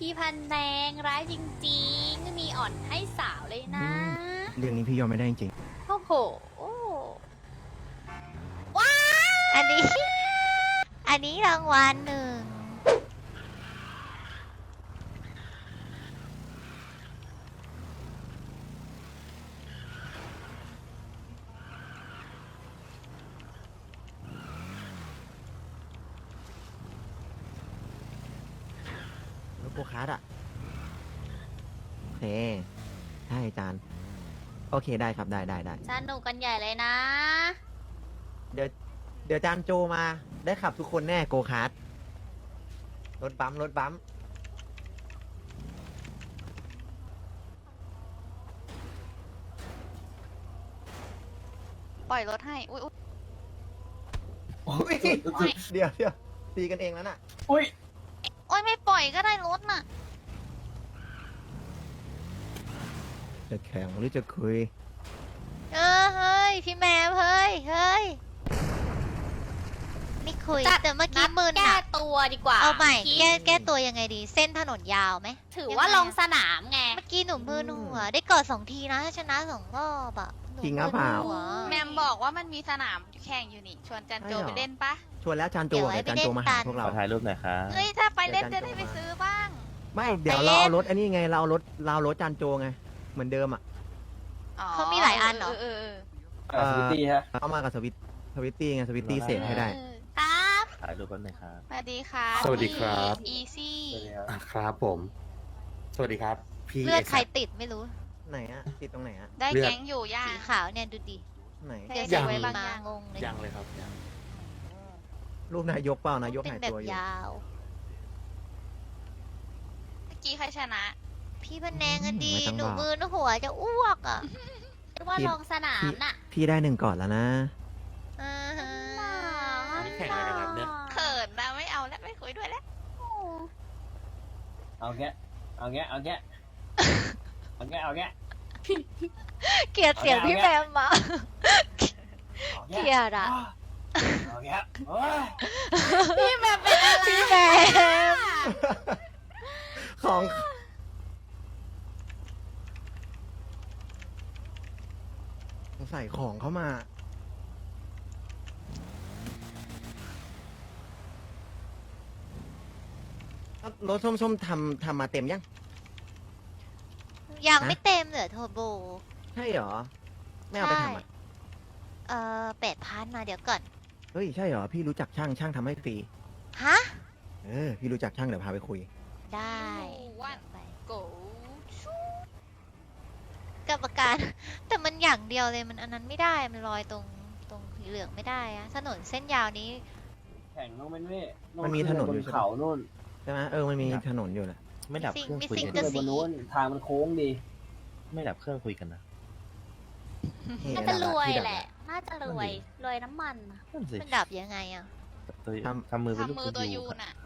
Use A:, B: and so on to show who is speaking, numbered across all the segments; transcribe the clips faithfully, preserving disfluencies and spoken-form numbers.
A: พี่พันแดงร้ายจริงๆไม่มีอ่อนให้สาวเลยนะ
B: เรื่องนี้พี่ยอมไม่ได้จริง
A: โอ้โห
C: อันนี้ อันนี้รางวัลหนึ่ง
B: รถโกคาร์ดอ่ะโอเคใช่อาจารย์ โอเคได้ครับได้ได้ได้
A: สนุกกันใหญ่เลยนะ
B: เดี๋ยวเดี๋ยวอาจารย์โจมาได้ขับทุกคนแน่โกคาร์ดรถบัมป์รถบัมป์
D: ปล่อยรถให้ อุ้ย
B: โอ้ยเดี๋ยวเดี๋ยวตีกันเองแล้วน่ะ
D: โอ้ยไม่ปล่อยก็ได้รถน่ะ
B: จะแข่งหรือจะคุย
C: เออเฮ้ย พี่แมวเฮ้ย เฮ้ย ไม่คุย
A: จัด
C: แต่เมื่อกี้มืน
A: แก้
C: อะ
A: ตัวดีกว่า
C: เอาใหม่
A: พี่
C: แก้แก้ตัวยังไงดี เส้นถนนยาวไหม
A: ถือว่าลงสนามไง
C: เมื่อกี้หนูมืนหัว ได้กอดสองทีนะถ้าชนะสองรอบอะหนู
B: จริงหรือเปล่า
C: มึนหัว
D: แมมบอกว่ามันมีสนามแข่งอยู่นี่ ชวนจันโจ
B: ใช่เหรอ
D: ไปเล่นปะ
B: ชวนแล้วอาจารย์โจ
C: เดี๋ยวไว้
B: เดี๋ยวอาจารย์โจมา
C: ไปเล่
B: หาน
C: กัน
B: พวกเรา
E: ขอถ่ายรูปหน่อยครับ
D: เฮ้ย ถ้าไปเล่น
B: เดี๋
D: จะ
B: ยวจันโจ
D: ได้ไป
B: มา
D: ซื้อบ้าง
B: ไม่เดี๋ยว
C: ไป
B: เรา
C: เล่น
B: เอารถอันนี้ไงเราเอารถเราเอารถอาจารย์โจไงเหมือนเดิมอ่ะ
D: อ๋อ
C: เขามีหลายอันเหรอ
D: เออเออ
B: เอ่อสวิตตี้ฮะเอามากับสวิตสวิตตี้ไงสวิตตี้เสกให้ได้
D: เออ
A: ครับ
E: ถ่ายรูปแป๊บหนึงครับ
D: สวัสดีค่ะ
F: สวัสดีครับ
D: อีซี่
F: อ่ะครับผม สวัสดีครับ พี่
C: เลือดใคร
F: เอ็กซ์
C: ติดไม่รู้
B: ไหนอ่ะติดตรงไหนอ่ะ
D: ได้
F: เลือด
D: แก๊งอยู่ย่า
C: สีขาวเนี่ยดูดิ
B: ไหน
D: ได้
C: เดี๋ยว
D: เก็
C: จะ
D: บไว้
C: มี
D: บาง
C: มา
D: อย่าง
C: งงเลย
F: ยังเลยครับยัง
B: รูปนายกเปล่านายก
C: เป็น
B: หาย
C: แบบ
B: ตัวอยู่
C: ยาว
D: เมื่อกี้ใครชนะ
C: พี่พันแนงอะดี
B: ไม่ต้อง
C: หนู
B: บอก
C: มืนหัวจะอ้วกอะ
A: เรียกว่าลงสนามน่ะ
B: พี่ได้หนึ่งก่อนแล้วนะ
C: อ่าฮะ
F: นี่แข่งอะไรกันครับเนี่ย
D: เขินนะไม่เอาแล้วไม่คุยด้วยแล้ว
G: เอาแกะเอาแกะเอาแกะเอาแกะเอาแกะ
C: เกลียดเสียงพี่แมมอะ
G: เอา
C: เกลี
G: แกะ
C: ยดอะ
G: เอาแกะโอ้ย
A: พี่แบบเป็นอะไร
C: พี่แมม
B: ของใส่ของเข้ามา รถส้มๆทำทำมาเต็มยัง
C: ยัง
B: ฮะ
C: ไม่เต็มเหลือโทโบ
B: ใช่เหรอ ไม่เอาไปทำอ่ะ
C: เอ่อแปดพันมาเดี๋ยวก่อน
B: เฮ้ย ใช่เหรอ พี่รู้จักช่างช่างทำให้ฟรี
C: ฮะ
B: เออ พี่รู้จักช่างเดี๋ยวพาไปคุย
C: ได้
D: วัน
C: ไป
D: โก
C: กรรมการ แต่มันอย่างเดียวเลยมันอันนั้นไม่ได้ มันลอยตรงตรงสีเหลืองไม่ได้อะถนนเส้นยาวนี้
G: แข่งน้องเป็นเว่
B: มันมีถนน
G: บ
B: อยู่
G: น
B: ใช่ไหม
G: เขานู่น
B: ใช่ไหมเออ มันมีถนนอยู่แหละ
E: ไม่ดับเครื่องคุย
C: มิสซิ่
E: กั
C: ง
E: น
C: กระ
G: ขึ้นไป
C: สี
G: บนนู้นทางมันโค้งดี
E: ไม่ดับเครื่องคุยกันนะ
A: น่าจะรวยแหละ น่าจะรวย รวยน้ำมันน่ะ
E: นั่นสิ
C: มันดับยังไงอะ
E: ตัว
B: ทำ
E: ทำมือเป็นรูป
D: ทำมือตัวยู
E: ครับ
D: น่ะ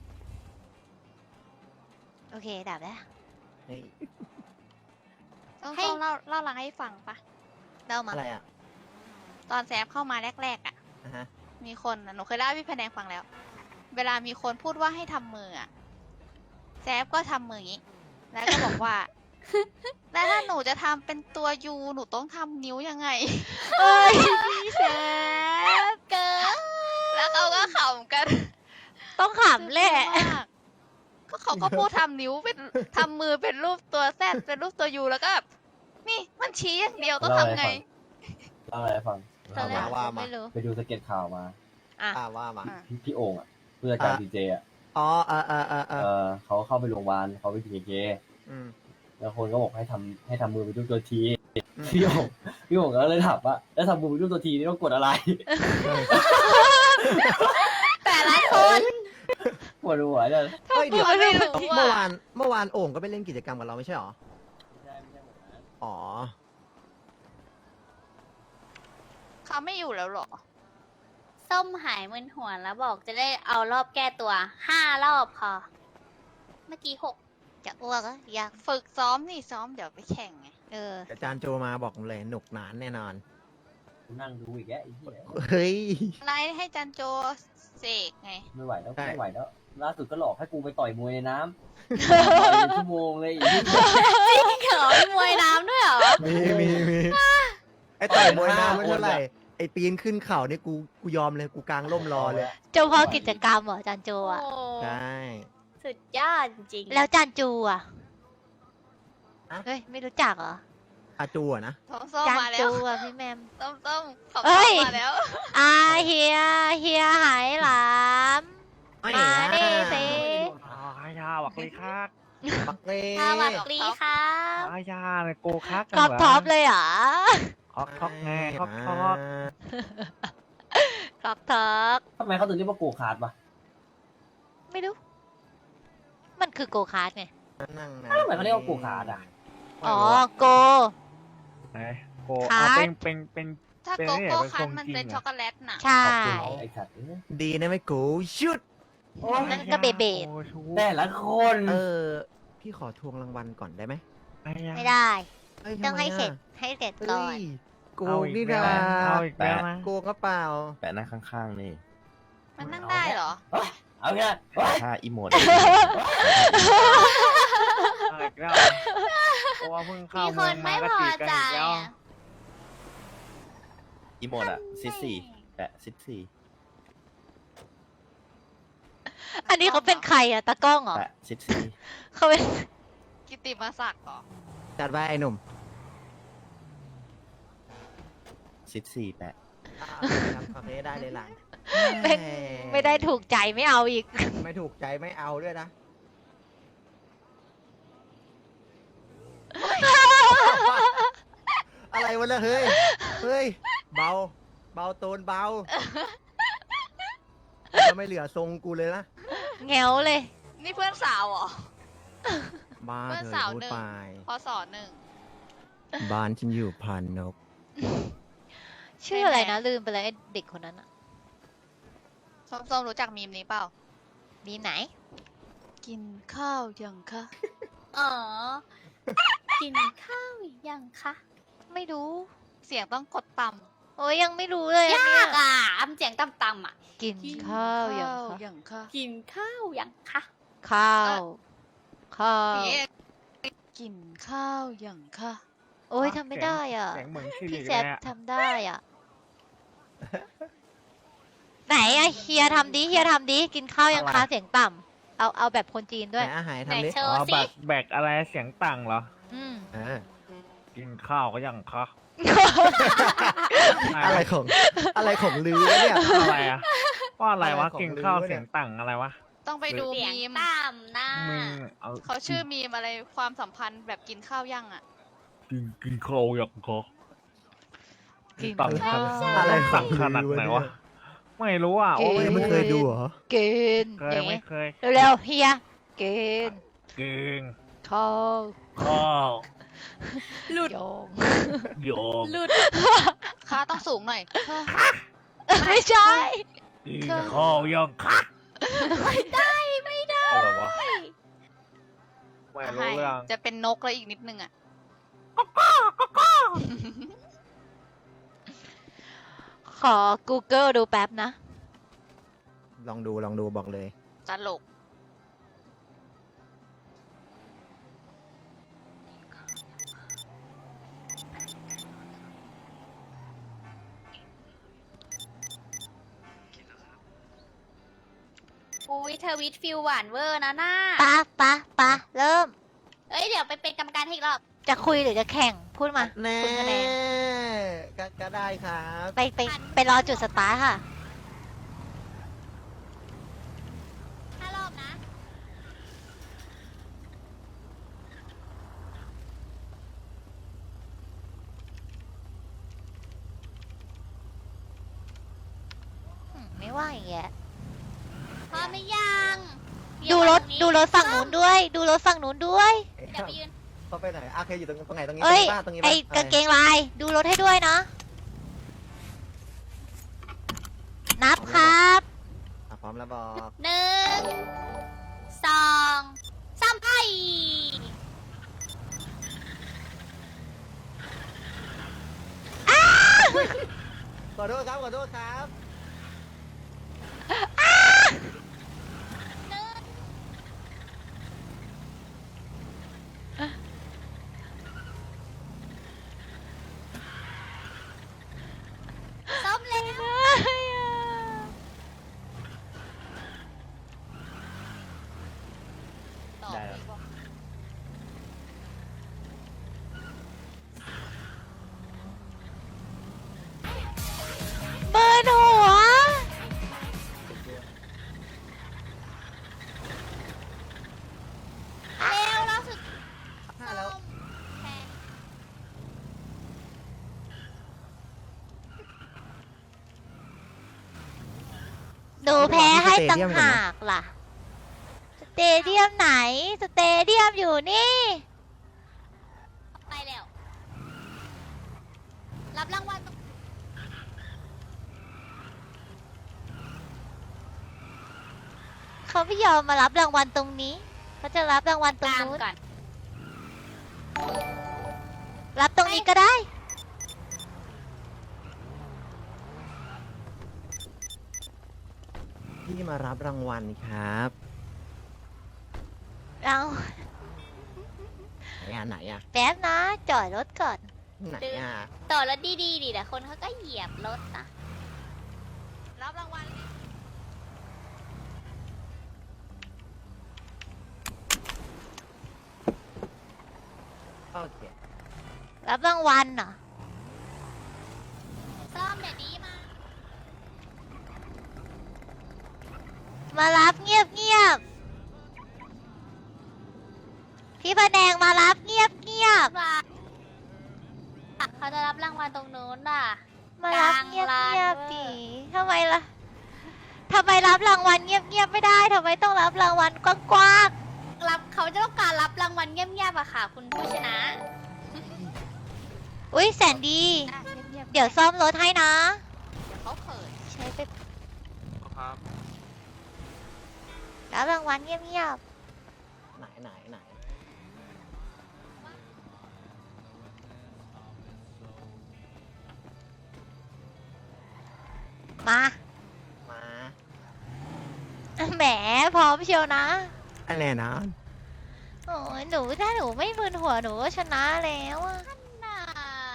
C: โอเค ดับแล้ว
B: เฮ้ย
D: ต้อง
A: ให้
D: ต้องเล่าเล่าหลังให้ฟังปะ
C: เล่ามา
B: อะไรอ่ะ
D: ตอนแซฟเข้ามาแรกๆอ่ะ
B: อ่ะฮะ
D: มีคนน่ะหนูเคยเล่าให้พี่แพนแดงฟังแล้ว เวลามีคนพูดว่าให้ทำมืออะแซฟก็ทำมืออย่างนี้ แล้วก็บอกว่า แล้วถ้าหนูจะทำเป็นตัวยูหนูต้องทำนิ้วยังไง
C: เอ้ยพี่แซฟ
D: เกินแล้วเขาก็ขำกัน
C: ต้องขำแหละ
D: มากก็เขาก็พูดทำนิ้วเป็นทำมือเป็นรูปตัวแซดเป็นรูปตัวยูแล้วก็แบบนี่มันชี้อย่างเดียวต้องทำไง
G: เล่าอะไรให้ฟัง
C: ตอนแรก
B: ว่ามา
C: ไม่รู้
G: ไปดูสเก็ตข่าวมา
C: อ่ะ
B: อ่าว่ามา
D: อ่ะ
G: พี่พี่โอ่งอ่ะเพื่อการ
B: อ่ะ
G: ดีเจอ่ะ
B: อ๋อเออเออเออเอ
G: เอ
B: อ
G: อเขาเข้าไปโรงพยาบาลเขาไปกินเจ
B: อืม
G: แล้วคนก็บอกให้ทำให้ทำมือเป็นรูปตัวที
B: อืม
G: พี่โอ่งพี่โอ่งก็เลยถามว่าแล้วทำมือเป็นรูปตัวทีนี่ต้องกดอะไร
A: แต่ละคน
G: ปวดหัวเลย
B: เฮ้ยเดี๋ยว
D: ไม่รู้
B: เมื่อ
D: อ่ะ
B: วานเมื่อวานโอ่งก็ไปเล่นกิจกรรมกับเราไม่ใช่หรอ
G: ไม่ใช่ไม่ใช่หมดนะ
B: อ๋อ
D: เขาไม่อยู่แล้วเหรอ
A: ส้มหายมึนหัวแล้วบอกจะได้เอารอบแก้ตัวห้ารอบพอ เมื่อกี้หก
C: จะอ้วกอะอยาก
D: ฝึกซ้อมนี่ซ้อมเดี๋ยวไปแข่งไง
C: เออ
B: อาจารย์โจมาบอกเลยหนุกหนานแน่นอน
G: นั่งดูอีกแล้วไอ้เหี้ย
B: เฮ้ย
D: อะไรให้จันโจเสกไง
G: ไม่ไหวแล้ว
B: ใช่
G: ไม่ไหวแล้วล่าสุดก็หลอกให้กูไปต่อยมวยในน้ำ ต่อยเป็นชั่วโมงเลยอีกนิดเดียว
A: เขียวมีมวยน้ำด้วยเหรอ
B: มีมีมีไอ้ต่อยมวยน้ำไม่เท่าไหร่ไอ้ปีนขึ้นเขาเนี่ยกูกูยอมเลยกูกางร่มรอเลย
C: เจ้าพ่อกิจกรรมเหรอจานโจ
A: โอ้
C: อ่ะ
B: ใช่
A: สุดยอดจริงๆ
C: แล้วจานจูอ่ะ
B: อะ
C: เฮ้ย ไม่รู้จักเหรอ
B: อาจูอะนะ
D: ส้มส้ม
C: จาน
D: มาแล้
C: จู
D: ว
C: อ่ะพี่แมม
D: ส้มส้มขอบ
C: เอ้ย
D: มาแล้ว
C: อาเฮียเฮียหายหลาม มาดิสิ
H: อาญาหวักเลยครับ
B: ปักเล่
A: สวัสดีครับ
H: อาญาเลยโกคัก
C: กรอบท็อปเลยเหรอ
H: คอกท็อกไงคอกท็อก
C: กรอบท็อป
G: ทำไมเขาถึงเรียกว่าโกคาร์ดวะ
C: ไม่รู้ มันคือโกคาร์ดไง
B: นั่งนะ
G: ทำไมเขาเรียกว่าโกคาร์ดอ่ะ
C: อ๋อ โก
H: ไหนโก
C: คั
H: เอา
C: ท
H: เป็นเป็นเป็น
D: ถ้า
H: เป็น
D: โก
H: นี่
D: โก้
H: เป็น
D: คัน
H: ทรง
D: มัน
H: จริง
D: เป็น
H: เหรอ
D: ช็อกโกแลตน่ะ
C: ใช่
G: ขอบคุณไอ้สัตว์เอ้ย
B: ดีนะไม่กูชุด
C: นั่นก็เบเบด
H: โอ้ชู
G: แต่ละคน
B: เออ พี่ขอทวงรางวัลก่อนได้ไหม
H: อาญา
C: ไม่ได้
B: เอ้ย
C: ต้อง
B: ทำไม
C: ให้เสร็จ
B: อะ
C: ให้เสร็จ
B: เฮ้
C: ก่อน
B: ยโก
H: เอา
B: ง
H: อีก
B: นี่
H: แล้ว
B: นะ
H: นะเอาอีกแล้วนะ
B: โกงก็เปล่า
E: แปะหน้าข้างๆนี่
D: มันนั่งได้เหรอ
G: เอาแค่
E: ถ้าอีโมด
H: เอาอีกแล้วเพราะว่าเพิ่งเข้า
A: มีค
H: เมือน ง
A: ไม่
H: มาก็
A: พอ
H: ตีกัน
A: ใจ
H: อีกแล้ว
A: อะ
E: อีโมดอะซิดสี่แปะซิดสี่
C: อันนี้เขาเป็นใครอะตากล้องเหรอ
E: แปะซิดสี่
C: เขาเป็น
D: กิติมาศักดิ์เหรอ
B: จัดไว้ไอ้หนุ่ม
E: ซิดสี่แปะ
B: อ่าครับโอเคได้เลยหลัง
C: เป็น ไม่ได้ถูกใจไม่เอาอีก
B: ไม่ถูกใจไม่เอาด้วยนะ อะไรวะเนี่ยเฮ้ย เฮ้ย เบา เบาโตนเบาจะไม่เหลือทรงกูเลยนะ
C: แงวเลย
D: นี่เพื่อนสาวเหรอ
B: บ้า
D: เพื่อน
B: เธ
D: สา
B: อ
D: ว
B: พูด
D: หนึ่ง
B: ไป
D: พอสอนหนึ่ง
B: บ้านฉันอยู่พานนก
C: ชื่ออะไรนะ ลืมไปแล้วไอ้เด็กคนนั้นอะ
D: ส้มส้มรู้จักมีมนี้เปล่า
C: มีไหน
D: กินข้าวยังคะ
A: อ๋อ กินข้าวหรือยังคะ
C: ไม่รู้
D: เสียงต้องกดต่ำ
C: โอ้ยยังไม่รู้เลยอัน
A: ยา
C: เนี้ย
A: กอ่ะอำเสียงต่ำๆอ่ะ
C: กินข้าวยังคะ
D: ยังคะ
A: กินข้าวยังคะ
C: ข้าว ข้าว
D: พี่เอกกินข้าวยังคะ
C: โอ้ยทำไม่ได้อ่ะ
H: เสียงเหมือนชิลิ
C: พี่
H: เล
C: แซ
H: ย
C: บ
H: อะ
C: ทำได้อ่ะ ไหนอะเฮียทำดิเฮียทำดิกินข้าวยังคะเสียงต่ำเอาเอาแบบคนจีน
B: ไห
C: ด้วย
B: นอาหาร
A: ไหน
B: ทำดิ
A: โช
H: อ๋อ
A: ว์
H: แบ
A: สิ
H: กแบกอะไรเสียงต่างเหรอ
C: อืม
B: เออ
H: กินข้าวก็ยังคะ
B: อะไรของ อะไรของลือวะเนี่ย
H: อะไรอะว่าอะไรวะ
B: อะไรของ
H: กินข้าว
B: ลือวะเนี่ย
H: เสียงต่างอะไรวะ
D: ต้องไปดู
A: เสียง
D: มีม
A: ต่ำนะ
H: มึงเอา
D: เขาชื่อมีมอะไรความสัมพันธ์แบบกินข้าวยังอ่ะ
H: กินกินข้าวยังคะ
C: กิน
H: ต่าง
C: ข้าว
B: อะไรข
H: สั่
B: อง
H: งขนาดไหนวะ ไม่รู้อ่ะ
C: เก
H: โอ้
B: เฮ้
H: ย
B: ยไม่เคยดูเหรอ
C: กิน
H: เคยไม่เคย
C: เร็วๆเฮียกิน
H: กิน
C: ข้าว
H: ข้าว
A: หลุด
C: โยง
H: โยม
A: หลุด
D: ค่าต้องสูงหน่อย
C: ไม่ใช่
H: กินข้าวยังคะ
A: ไม่ได้ไม่ได้
H: อะไรวะไม่รู้
D: ให้
H: เรื่อง
D: จะเป็นนกแล้วอีกนิดนึงอ่ะ
C: ขอ Google ดูแป๊บนะ
B: ลองดูลองดูบอกเลย
D: ตลก
A: อุ้ยทวิตฟิลหวานเวอร์นะน่า
C: ปะปะปะเริ่ม
A: เอ้ยเดี๋ยวไปเป็นกรรมการให้อีกรอบ
C: จะคุยหรือจะแข่ง พูดมา
B: แน่
C: คุณคะแนน
B: ก็ก็ได้ครับ
C: ไปไปไปรอจุดสตาร์ทค่ะ
A: ห้ารอบนะ
C: อืมไม่ว่าอย่างเงี้ย
A: พร้อมหรือยัง
C: ดูรถ
A: เยว
C: ดูรถฝั่งนู้นด้วย ดูรถฝั่งนู้นด้วย
B: เอ๊ะ
A: เดี๋ยวไปยืน
B: เขาไปไหนอ่ะเคยอยู่ตรงตรงไหนตรงนี้
C: เอ้ย
B: ตรงนี้
C: ไอ้
B: ป่ะ
C: กางเกงลาย ดูรถให้ด้วยนะ นับครับ
B: อ่ะพร้อมแล้วบอก
A: หนึ่งสองสามไป
B: ขอโทษครับขอโทษครับ
A: หนึ่งส้มเลยนะ
D: ต่อ
E: ได้แล้ว
D: อีกบอก
C: เบิร์นหัว
A: เร็วเราสุด
B: ห้าแล้ว
A: แพง
C: หนูแพ้ให้ต่างหากล่ะ สเตเดียมไหน สเตเดียมอยู่นี่
A: ไปแล้ว รับรางวัลตรง
C: เขาไม่ยอมมารับรางวัลตรงนี้ เขาจะรับรางวัลตรง
A: กลาง
C: นู้น
A: ก่อน
C: รับตรงนี้ก็ได้
B: พี่มารับรางวัลครับ
C: เรา
B: ไหนอ่ะไหนอ่ะ
C: แป๊บนะ จอดรถก่อน
B: ไหนอ่ะ
A: ต่อรถดีๆดิแต่คนเขาก็เหยียบรถนะ
D: รับรางวัล
B: โอเค
C: รับรางวัลเหรอ
A: ซ่อมเดี๋ยวนี้มา
C: มารับเงียบเงียบๆพี่พะแนงมารับเงียบเงียบ
A: ว่าเขาจะรับรางวัลตรงนู้นน่ะ
C: ๆมารับเงียบ
A: กลาง
C: เงีย
A: ลา
C: บ
A: น
C: ดีทำไมล่ะทำไมรับรางวัลเงียบเงียบๆไม่ได้ทำไมต้องรับรางวัลกว้าง
A: รับเขาจะต้องการรับรางวัลเงียบๆอะค่ะ คุณผู้ชนะ
C: ๆอุ้ยแสนดี
D: อ่ะเงียบๆ
C: เดี๋ยวซ่อมรถให้นะ
D: เดี๋ยวเขาเขิน
C: ใช้ไป
F: ครับ
C: รับรางวัลเงียบเงียบ
B: ไหนไหนไหน
C: ๆมา
B: มา
C: แหมพร้อมเชียวนะ
B: อะไรนะ
C: โอ้ยหนูถ้าหนูไม่มึนหัวหนูก็ชนะแล้วอะ
A: น่า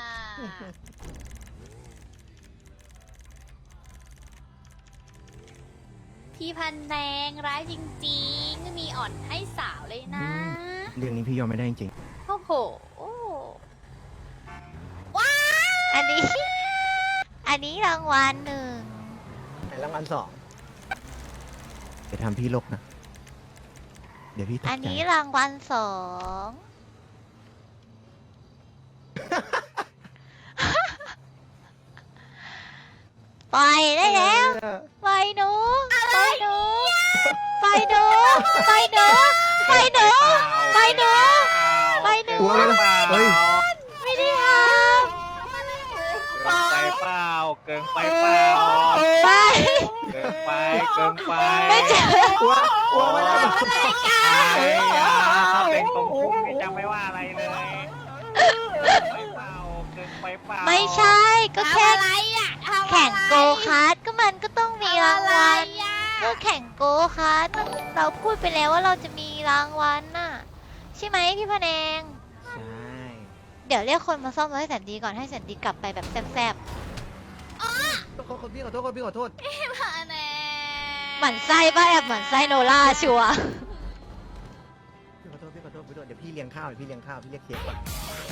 A: พี่พันแดงร้ายจริงๆ มีอ่อนให้สาวเลยนะ
B: เรื่องนี้พี่ยอมไม่ได้จริง
A: โอ้โห
C: อันนี้ อันนี้รางวัลหนึ่ง
B: ๆไหนรางวัลสองเดี๋ยวทำพี่ลกนะ เดี๋ยวพี่ตก
C: อัน
B: ใจ
C: นี้รางวัลสองปล่อยได้แล้วปล่อยหนูปล่อยหนูปล่อยหนูปล่อยหนูปล่อยหนูปล่อยหนูปล่อยหนู
B: ตัวเลยนะเฮ้ย
C: ไม่ได้ท
H: เกินไปเปล่า เกินไปเปล่า
C: ำไป
H: เกินไป เกินไป
C: ไม่เจอ
B: กลัวกลัวไม่ได้
H: ไอ้ยาเป็นตรงคุกนี่ยังไม่ว่าอะไรเลยเกินไปเปล่า เกินไปเปล่า
C: ไม่ใช่ก็แค่
A: ทำอะไรอ่ะทำอะไร
C: แข่งโกคาร์ทก็มันก็ต้องมีรางวัล
A: ทำอะไรอ่ะ
C: ก็แข่งโกคาร์ทมันเราพูดไปแล้วว่าเราจะมีรางวัลน่ะ ใช่ไหมพี่พะแนง
B: ใช่
C: เดี๋ยวเรียกคนมาซ่อมรถให้แสนดีก่อนให้แสนดีกลับไปแบบแซ่บ
B: ขอโทษพี่ขอโทษพี่ขอโทษ
A: พี่พันแดง
C: ๆหมั่นไส้ป่ะแอบหมั่นไส้โนล่าชัวร์
B: พี่ขอโทษพี่ขอโทษพี่ขอโทษเดี๋ยวพี่เลี้ยงข้าวเดี๋ยวพี่เลี้ยงข้าวพี่เรียกเค้กก่อน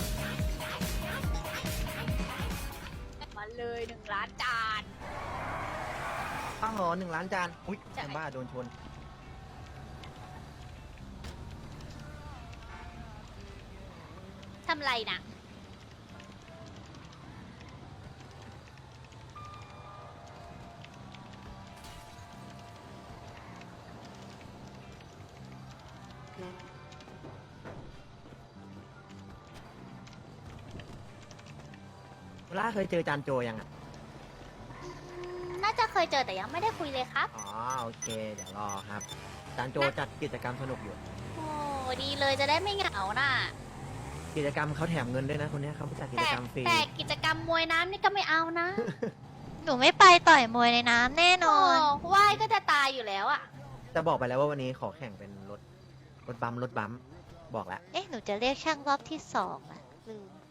A: มาเลยหนึ่งล้านจาน
B: อ้าวเหรอหนึ่งล้านจาน อุ้ยแอมบ้าโดนชน
A: ทำไรนะ
B: เวลาเคยเจอจานโจยังอ่ะ
A: น่าจะเคยเจอแต่ยังไม่ได้คุยเลยครับ
B: อ๋อโอเค เดี๋ยวรอครับ จานโจจัดกิจกรรมสนุกอยู่
A: โอ้ดีเลยจะได้ไม่เหงาน่ะ
B: กิจกรรมเขาแถมเงินด้วยนะคนเนี้ยเขาจัดกิจ
A: แต่
B: กรรมฟรี
A: แต่กิจกรรมมวยน้ำนี่ก็ไม่เอานะ
C: หนูไม่ไปต่อยมวยในน้ำแน่น
A: โอ้
C: อน
A: ว่ายก็จะตายอยู่แล้วอ่ะ
B: จะบอกไปแล้วว่าวันนี้ขอแข่งเป็นรถรถบัมป์รถบัมป์บอกแล้ว
C: เอ๊ะ หนูจะเรียกช่างรอบที่สองอะลืม